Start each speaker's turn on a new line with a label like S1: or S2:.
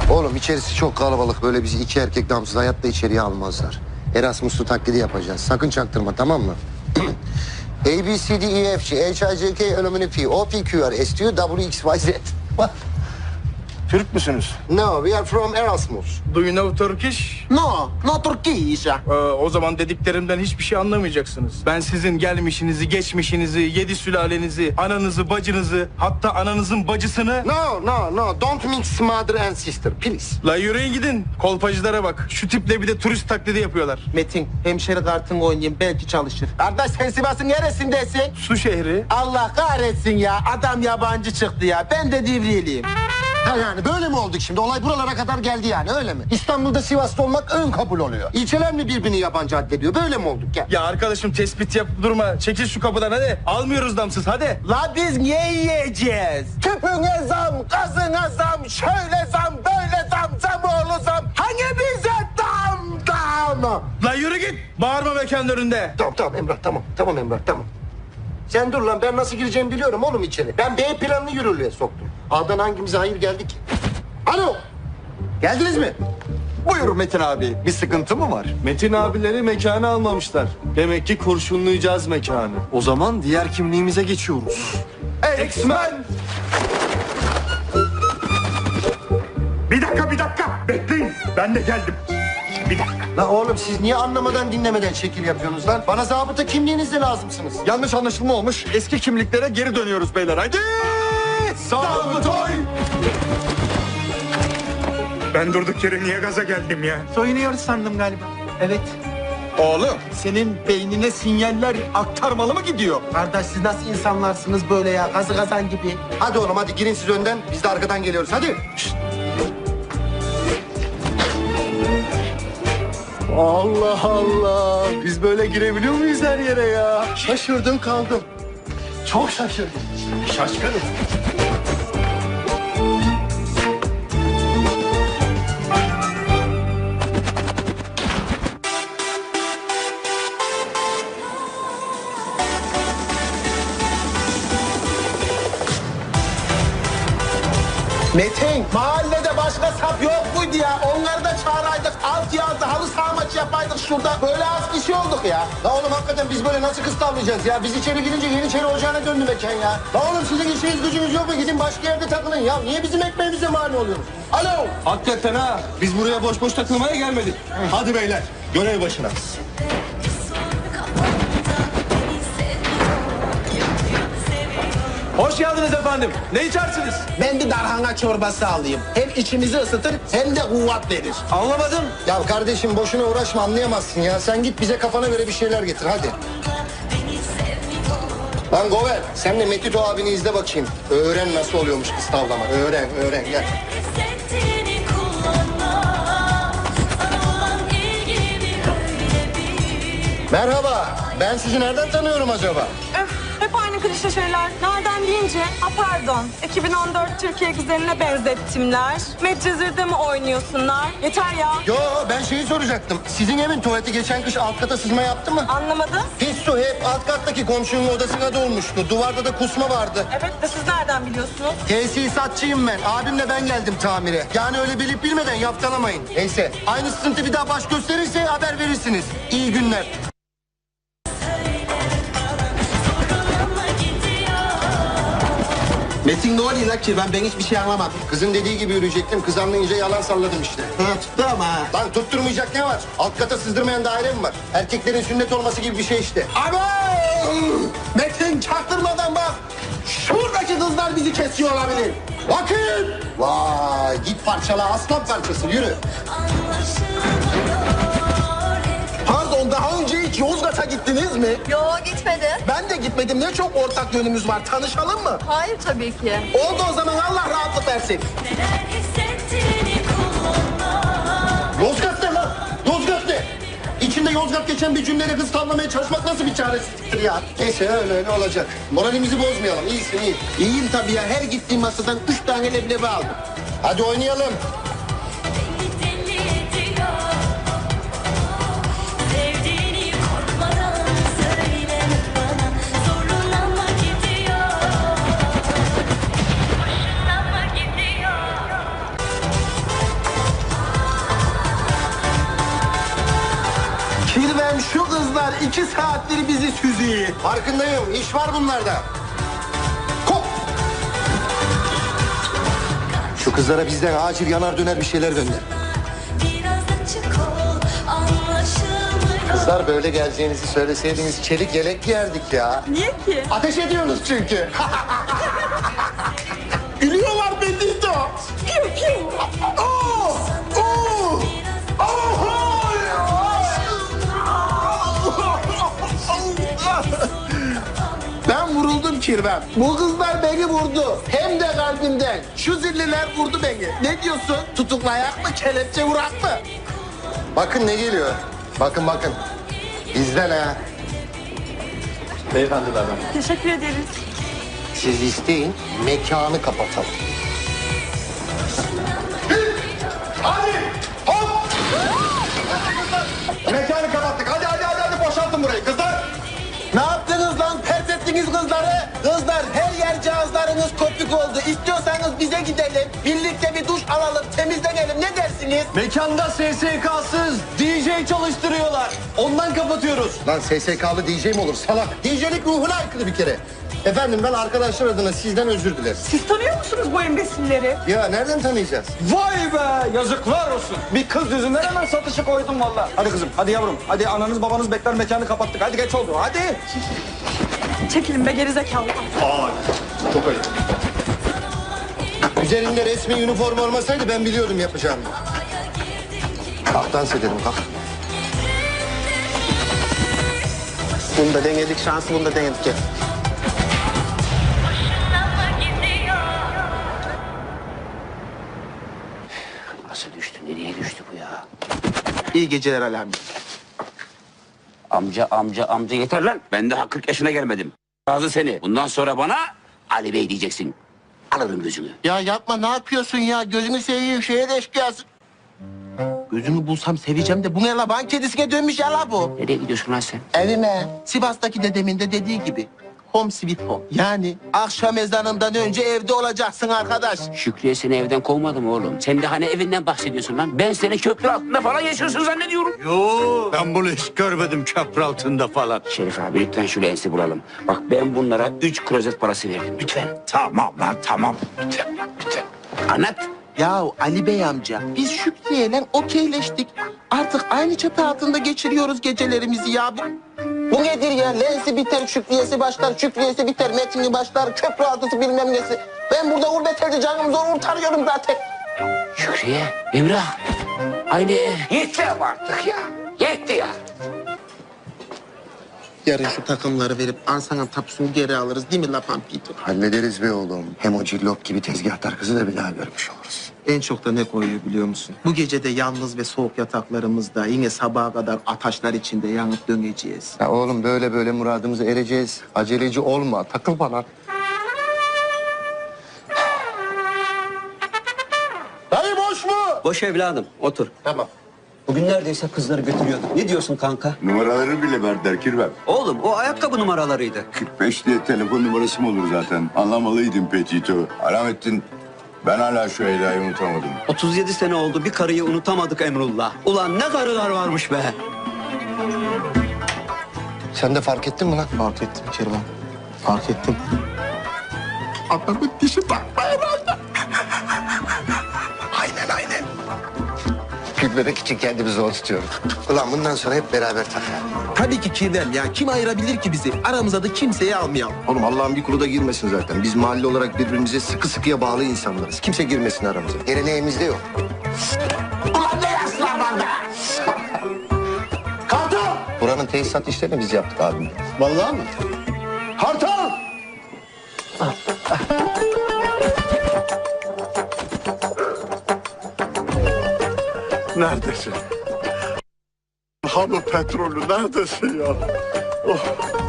S1: Oğlum içerisi çok kalabalık. Böyle bizi iki erkek damsız hayatta içeriye almazlar. Erasmus'lu taklidi yapacağız. Sakın çaktırma, tamam mı? A, B, C, D, E, F, G, H, I, J, K, L, M, N, P, O, P, Q, R, S, T, U, W, X, Y, Z.
S2: Türk müsünüz?
S1: No, we are from Erasmus.
S2: Do you know Turkish?
S1: No, no Turkish.
S2: O zaman dediklerimden hiçbir şey anlamayacaksınız. Ben sizin gelmişinizi, geçmişinizi, 7 sülalenizi, ananızı, bacınızı, hatta ananızın bacısını...
S1: No, don't mix mother and sister, please.
S2: La yürüyün gidin. Kolpacılara bak. Şu tiple bir de turist taklidi yapıyorlar.
S3: Metin, hemşeri kartını oynayayım, belki çalışır. Kardeş sen Sivas'ın neresindesin?
S2: Su şehri.
S3: Allah kahretsin ya, adam yabancı çıktı ya. Ben de Divriyeliyim.
S1: Ha yani böyle mi olduk şimdi? Olay buralara kadar geldi yani, öyle mi? İstanbul'da Sivas'ta olmak ön kabul oluyor. İlçeler mi birbirini yabancı addediyor? Böyle mi olduk ya?
S2: Ya arkadaşım tespit yapıp durma. Çekil şu kapıdan hadi. Almıyoruz damsız hadi.
S3: La biz niye yiyeceğiz? Tüpüne zam, gazına zam, şöyle zam, böyle zam, zamoğlu zam. Hani bize dam?
S2: La yürü git. Bağırma mekanın önünde.
S1: Tamam Emrah, tamam Emrah, tamam. Sen dur lan, ben nasıl gireceğimi biliyorum oğlum içeri. Ben B planını yürürlüğe soktum. A'dan hangimize hayır geldi ki? Alo! Geldiniz mi?
S4: Buyur Metin abi. Bir sıkıntı mı var?
S5: Metin abileri mekanı almamışlar. Demek ki kurşunlayacağız mekanı.
S4: O zaman diğer kimliğimize geçiyoruz.
S5: X-Men!
S6: Bir dakika. Bekleyin. Ben de geldim. Bir dakika.
S1: La oğlum siz niye anlamadan dinlemeden şekil yapıyorsunuz lan? Bana zabıta kimliğinizle lazımsınız.
S4: Yanlış anlaşılma olmuş. Eski kimliklere geri dönüyoruz beyler. Haydi!
S5: Sabıtoy!
S6: Ben durduk yere niye gaza geldim ya?
S3: Soyunuyoruz sandım galiba. Evet.
S4: Oğlum senin beynine sinyaller aktarmalı mı gidiyor?
S3: Kardeş siz nasıl insanlarsınız böyle ya? Gazı kazan gibi.
S1: Hadi oğlum hadi girin siz önden, biz de arkadan geliyoruz hadi. Şşt.
S5: Allah Allah! Biz böyle girebiliyor muyuz her yere ya?
S1: Şaşırdım kaldım.
S5: Çok şaşırdım. Şaşkınım.
S3: Metin, mahallede başka sap yok muydu ya? Onları da çağıraydık. Alt yazda halı saha maçı yapaydık şurada. Böyle az kişi olduk ya.
S1: La oğlum hakikaten biz böyle nasıl kız tavlayacağız ya? Biz içeri girince Yeniçeri Ocağı'na döndü mekan ya. La oğlum sizin işiniz gücünüz yok mu? Gidin başka yerde takılın ya. Niye bizim ekmeğimize mani oluyorsunuz? Alo!
S5: Hakikaten ha. Biz buraya boş boş takılmaya gelmedik. Hadi beyler, görev başına. Hoş geldiniz efendim. Ne içersiniz?
S3: Ben bir darhana çorbası alayım. Hem içimizi ısıtır hem de kuvvet verir.
S5: Anlamadım.
S1: Ya kardeşim boşuna uğraşma, anlayamazsın ya. Sen git bize kafana göre bir şeyler getir hadi. Lan Gover, sen de Metito abini izle bakayım. Öğren nasıl oluyormuş kız tavlama. Öğren gel. Merhaba, ben sizi nereden tanıyorum acaba?
S7: Öf, hep aynı klişe şeyler. Nereden deyince? Ha pardon. 2014 Türkiye güzeline benzettimler. Medcezir'de mi oynuyorsunlar? Yeter ya.
S1: Yo, ben şeyi soracaktım. Sizin evin tuvaleti geçen kış alt kata sızma yaptı mı?
S7: Anlamadım.
S1: Pis su hep alt kattaki komşunun odasına dolmuştu. Duvarda da kusma vardı.
S7: Evet de siz nereden biliyorsunuz?
S1: Tesisatçıyım ben. Abimle ben geldim tamire. Yani öyle bilip bilmeden yaftalamayın. Neyse, aynı sıkıntı bir daha baş gösterirse haber verirsiniz. İyi günler.
S3: Metin ne oluyor la Kirven? Ben hiçbir şey anlamadım.
S1: Kızın dediği gibi yürüyecektim. Kız anlayınca yalan salladım işte.
S3: Ha tuttu ama ha.
S1: Lan tutturmayacak ne var? Alt kata sızdırmayan daire mi var? Erkeklerin sünnet olması gibi bir şey işte.
S3: Ama Metin çaktırmadan bak. Şuradaki kızlar bizi kesiyor olabilir.
S1: Bakın! Vay git parçala aslan parçası yürü.
S3: Pardon daha önce hiç Yozgat'a gittiniz mi?
S8: Yo gitmedi.
S3: Ben de gitmedim. Ne çok ortak yönümüz var. Tanışalım mı?
S8: Hayır tabii ki.
S3: Oldu o zaman Allah rahatlık versin.
S1: Yozgat ne lan? Yozgat ne? İçinde Yozgat geçen bir cümleyle kız tavlamaya çalışmak nasıl bir çaresizliktir ya? Neyse öyle olacak. Moralimizi bozmayalım. İyisin iyi.
S3: İyiyim tabii ya. Her gittiğim masadan 3 tane leblebi aldım.
S1: Hadi oynayalım.
S3: şu kızlar 2 saattir bizi süzüyor.
S1: Farkındayım. İş var bunlarda. Kop! Şu kızlara bizden acil yanar döner bir şeyler gönder. Kızlar böyle geleceğinizi söyleseydiniz çelik yelek giyerdik ya.
S7: Niye ki?
S1: Ateş ediyorsunuz çünkü.
S3: Gülüyorlar Benito.
S7: Piu piu.
S3: Oh! Oh! Ben vuruldum Kirvem. Bu kızlar beni vurdu. Hem de kalbimden. Şu zilliler vurdu beni. Ne diyorsun? Tutuklayak mı, kelepçe vurak mı?
S1: Bakın ne geliyor. Bakın bakın. Bizden ha.
S5: Beyefendilerden.
S7: Teşekkür ederiz.
S1: Siz isteyin, mekanı kapatalım.
S5: Hadi! Hop! Mekanı kapattık. Hadi boşaltın burayı kızlar.
S3: Ne yaptınız lan? Pert ettiniz kızları. Kızlar her yer cihazlarınız kopuk oldu. İstiyorsanız bize gidelim. Birlikte bir duş alalım, temizlenelim. Ne dersiniz?
S5: Mekanda SSK'sız DJ çalıştırıyorlar. Ondan kapatıyoruz.
S1: Lan SSK'lı DJ mi olur salak? DJ'lik ruhuna aykırı bir kere. Efendim ben arkadaşlar adına sizden özür dilerim.
S7: Siz tanıyor musunuz bu embesilleri?
S1: Ya nereden tanıyacağız?
S4: Vay be yazıklar olsun. Bir kız yüzünden hemen satışı koydum vallahi. Hadi kızım hadi yavrum. Hadi ananız babanız bekler mekanı kapattık. Hadi geç oldu hadi.
S7: Çekilin be gerizekalı.
S5: Çok ayıp.
S1: Üzerinde resmi üniforma olmasaydı ben biliyordum yapacağımı. Kalk dans edelim kalk.
S3: Bunu da denedik, şansı bunu da denedik. Gel.
S8: Nasıl düştü? Nereye düştü bu ya?
S3: İyi geceler Alami.
S8: Amca yeter lan. Ben daha 40 yaşına gelmedim. Razı seni. Bundan sonra bana Ali Bey diyeceksin. Alırım gözünü.
S3: Ya yapma, ne yapıyorsun ya? Gözünü seveyim, şeye de eşkıyasın. Gözünü bulsam seveceğim de bu ne la? Ban kedisine dönmüş ya la bu.
S8: Nereye gidiyorsun lan sen?
S3: Evime. Sivas'taki dedemin de dediği gibi. Home sweet home. Yani akşam ezanından önce evde olacaksın arkadaş.
S8: Şükriye seni evden kovmadı mı oğlum? Sen de hani evinden bahsediyorsun lan. Ben seni köprü altında falan yaşıyorsun zannediyorum.
S6: Ben bunu hiç görmedim köprü altında falan.
S8: Şerif abi lütfen şu lensi bulalım. Bak ben bunlara 3 klozet parası verdim. Lütfen.
S6: Tamam lan tamam. Lütfen.
S8: Anlat.
S3: Ya Ali Bey amca, biz Şükriye'yle okeyleştik. Artık aynı çatı altında geçiriyoruz gecelerimizi ya. Bu nedir ya? Lensi biter, Şükriyesi başlar, Şükriyesi biter, metini başlar, köprü altısı bilmem nesi. Ben burada gurbet elde canımı zor kurtarıyorum zaten.
S8: Şükriye, Emrah. Aynı ev. Yeter artık ya. Yetti ya.
S3: Yarın şu takımları verip arsanın tapusunu geri alırız değil mi La Pampito?
S1: Hallederiz be oğlum. Hem o cillop gibi tezgahtar kızı da bir daha görmüş oluruz.
S3: En çok da ne koyuyor biliyor musun? Bu gece de yalnız ve soğuk yataklarımızda yine sabaha kadar ataşlar içinde yanıp döneceğiz.
S1: Ya oğlum böyle böyle muradımıza ereceğiz. Aceleci olma. Takıl bana.
S3: Dayı boş mu?
S9: Boş evladım, otur.
S3: Tamam.
S9: Bugün neredeyse kızları götürüyorduk. Ne diyorsun kanka?
S10: Numaraları bile verdiler Kirvem.
S9: Oğlum, o ayakkabı numaralarıydı.
S10: 45 diye telefon numarası mı olur zaten? Anlamalıydın Petito. Alamettin, ben hala şu Leyla'yı unutamadım.
S9: 37 sene oldu, bir karıyı unutamadık Emrullah. Ulan ne karılar varmış be.
S1: Sen de fark ettin mi lan?
S3: Fark ettim Kervan. Fark ettim. Adamın dişi takma herhalde.
S1: Aynen. Gülmemek için kendimi zor tutuyorum. Ulan bundan sonra hep beraber takar.
S3: Tabii ki Kirvem ya. Kim ayırabilir ki bizi? Aramıza da kimseyi almayalım.
S1: Oğlum Allah'ın bir kulu da girmesin zaten. Biz mahalle olarak birbirimize sıkı sıkıya bağlı insanlarız. Kimse girmesin aramıza. Geleneğimizde yok.
S3: Ulan ne yaşlar var be? Kartal!
S1: Buranın tesisat işlerini biz yaptık abim.
S3: Vallahi mı? Kartal!
S6: Neredesin? Hamı petrolü neredesin ya? Oh.